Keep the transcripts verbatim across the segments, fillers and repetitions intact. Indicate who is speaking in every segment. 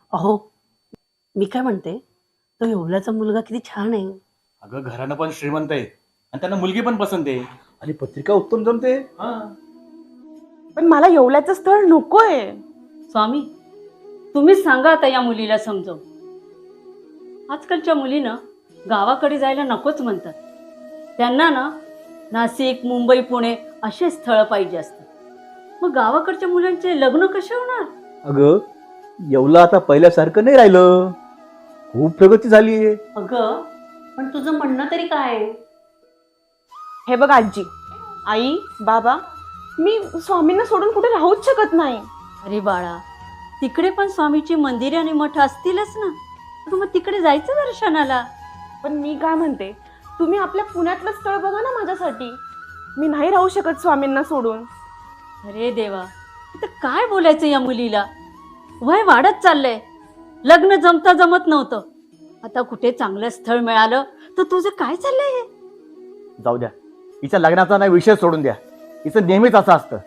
Speaker 1: अहो, मी काय म्हणते, तो येवल्याचा मुलगा किती छान आहे.
Speaker 2: अगं घरानं पण श्रीमंत आहे आणि त्यांना मुलगी पण पसंत आहे आणि पत्रिका उत्तम जमते. हा
Speaker 3: पण मला येवल्याचं स्थळ नकोय.
Speaker 4: स्वामी, तुम्हीच सांगा आता या मुलीला समजव. आजकालच्या मुलीनं गावाकडे जायला नकोच म्हणतात. त्यांना ना नाशिक, मुंबई, पुणे असे स्थळ पाहिजे असतात. मग गावाकडच्या मुलांचे लग्न कसे होणार?
Speaker 2: अगं येवला आता पहिल्यासारखं नाही राहिलं, खूप प्रगती झाली आहे.
Speaker 1: अगं, पण तुझं म्हणणं तरी काय आहे?
Speaker 3: हे बघ आजी, आई, बाबा, मी स्वामींना सोडून कुठे राहूच शकत नाही.
Speaker 4: अरे बाळा, तिकडे पण स्वामीची मंदिरे आणि मठ असतीलच ना. अगं मग तिकडे जायचं दर्शनाला.
Speaker 3: पण मी काय म्हणते, तुम्ही आपल्या पुण्यातलं स्थळ बघा ना माझ्यासाठी. मी नाही राहू शकत स्वामींना सोडून.
Speaker 4: अरे देवा, आता काय बोलायचं या मुलीला. वय वाढत चाललंय, लग्न जमता जमत नव्हतं, आता कुठे चांगलं स्थळ मिळालं तर तुझं काय चाललंय हे?
Speaker 2: जाऊ द्या, हिच्या लग्नाचा नाही विषय सोडून द्या. हिचं नेहमीच असं असतं.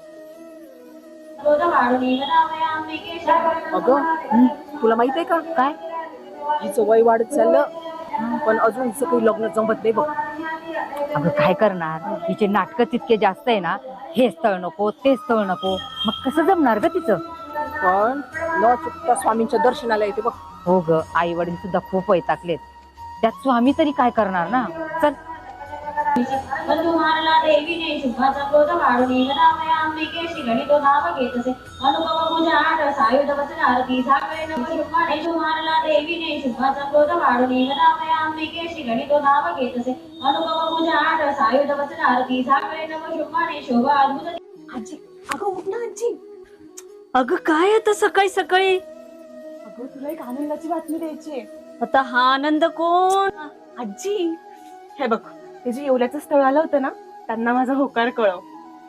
Speaker 5: अगं, तुला माहित आहे का काय हिचं वय वाढत चाललं, पण अजून हिचं काही लग्न जमत नाही बघ.
Speaker 6: अगं काय करणार, हिचे नाटकं तितके जास्त आहे ना. हे स्थळ नको, ते स्थळ नको, मग कसं जमणार ग तिचं?
Speaker 5: पण न चुकता स्वामींच्या दर्शनाला येते बघ.
Speaker 6: हो ग, आई वडील सुद्धा खूप वैतागलेत, त्यात स्वामी तरी काय करणार ना. चल.
Speaker 7: बंधू मारला देवीने शुभाचा क्रोध वाढून गदामया अंबिकेशी गणितो धाव घेतसे अनुभव पूजा आठ सायुध वचन आरती झाकळे नव शुभाने मारला देवीने शुभाचा क्रोध वाढून गदामया अंबिकेशी गणितो धाव घेतसे अनुभव पूजा आठ सायुध वचन आरती झाकळे नव शुभाने शोभा अद्भुत.
Speaker 3: आजी, अगं उठ ना आजी.
Speaker 4: अगं काय आता सकाळी सकाळी?
Speaker 3: अगं तुला एक आनंदाची बातमी द्यायची आहे.
Speaker 4: आता हा आनंद कोण?
Speaker 3: आजी, हे बघ, ते जे येवल्याचं स्थळ आलं होतं ना, त्यांना माझा होकार कळव.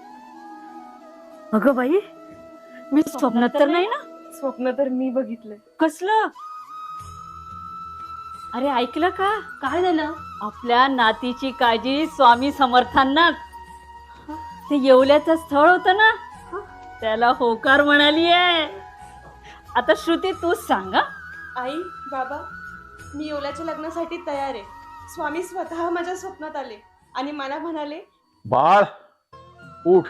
Speaker 4: अगं बाई, मी स्वप्नात तर नाही ना?
Speaker 3: स्वप्न तर मी बघितलंय.
Speaker 4: कसलं? अरे ऐकलं का?
Speaker 1: काय झालं?
Speaker 4: आपल्या नातीची काळजी स्वामी समर्थांना. ते येवल्याचं स्थळ होतं ना, त्याला होकार म्हणाली आहे. आता श्रुती तूच सांगा.
Speaker 3: आई, बाबा, मी येवल्याच्या लग्नासाठी तयार आहे. स्वामी स्वतः माझ्या स्वप्नात आले आणि मला म्हणाले,
Speaker 2: बाळ उठ,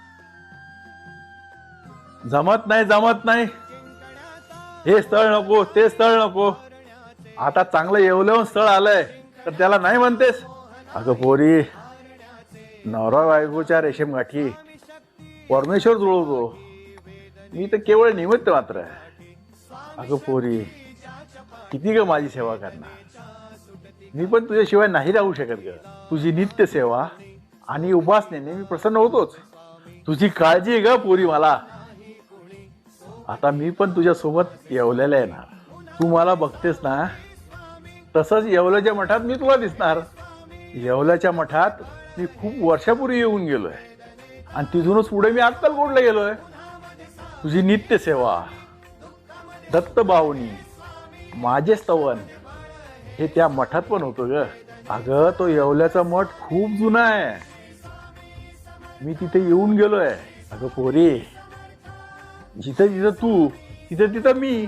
Speaker 2: जमत नाही जमत नाही, हे स्थळ नको, ते स्थळ नको, आता चांगलं येवल्याहून स्थळ आलंय तर त्याला नाही म्हणतेस? अगं पोरी, नवरा बायकोच्या रेशीम गाठी परमेश्वर जुळवतो, मी तर केवळ निमित्त मात्र आहे. अगं पोरी, किती ग माझी सेवा करणार, मी पण तुझ्याशिवाय नाही राहू शकत ग. तुझी नित्य सेवा आणि उपासनेने मी प्रसन्न होतोच. तुझी काळजी आहे ग पोरी मला. आता मी पण तुझ्या सोबत येवल्याला येणार. तू मला बघतेस ना, तसंच येवल्याच्या मठात मी तुला दिसणार. येवल्याच्या मठात मी खूप वर्षापूर्वी येऊन गेलोय आणि तिथूनच पुढे मी अक्कलकोटला गेलोय. तुझी नित्य सेवा, दत्तभावनी, माझे स्तवन हे त्या मठात पण होतं ग. अगं तो येवल्याचा मठ खूप जुना आहे, मी तिथे येऊन गेलोय. अगं पोरी, जिथं जिथं तू तिथं तिथं मी.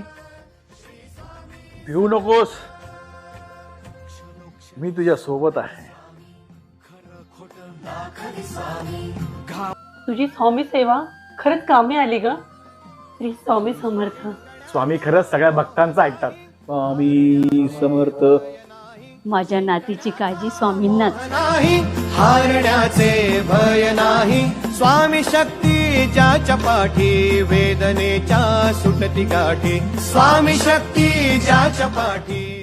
Speaker 2: भिवू नकोस, मी तुझ्या सोबत आहे.
Speaker 1: तुझी स्वामी सेवा खरंच कामी आली ग. श्री स्वामी समर्थ.
Speaker 2: स्वामी खरंच सगळ्या भक्तांचं ऐकतात. स्वामी समर्थ.
Speaker 4: माझ्या नातीची काळजी स्वामींनाच.
Speaker 8: नाही हारण्याचे भय नाही, स्वामी शक्ती ज्याच्या पाठी, वेदनेच्या सुटती गाठी, स्वामी शक्ती ज्याच्या पाठी.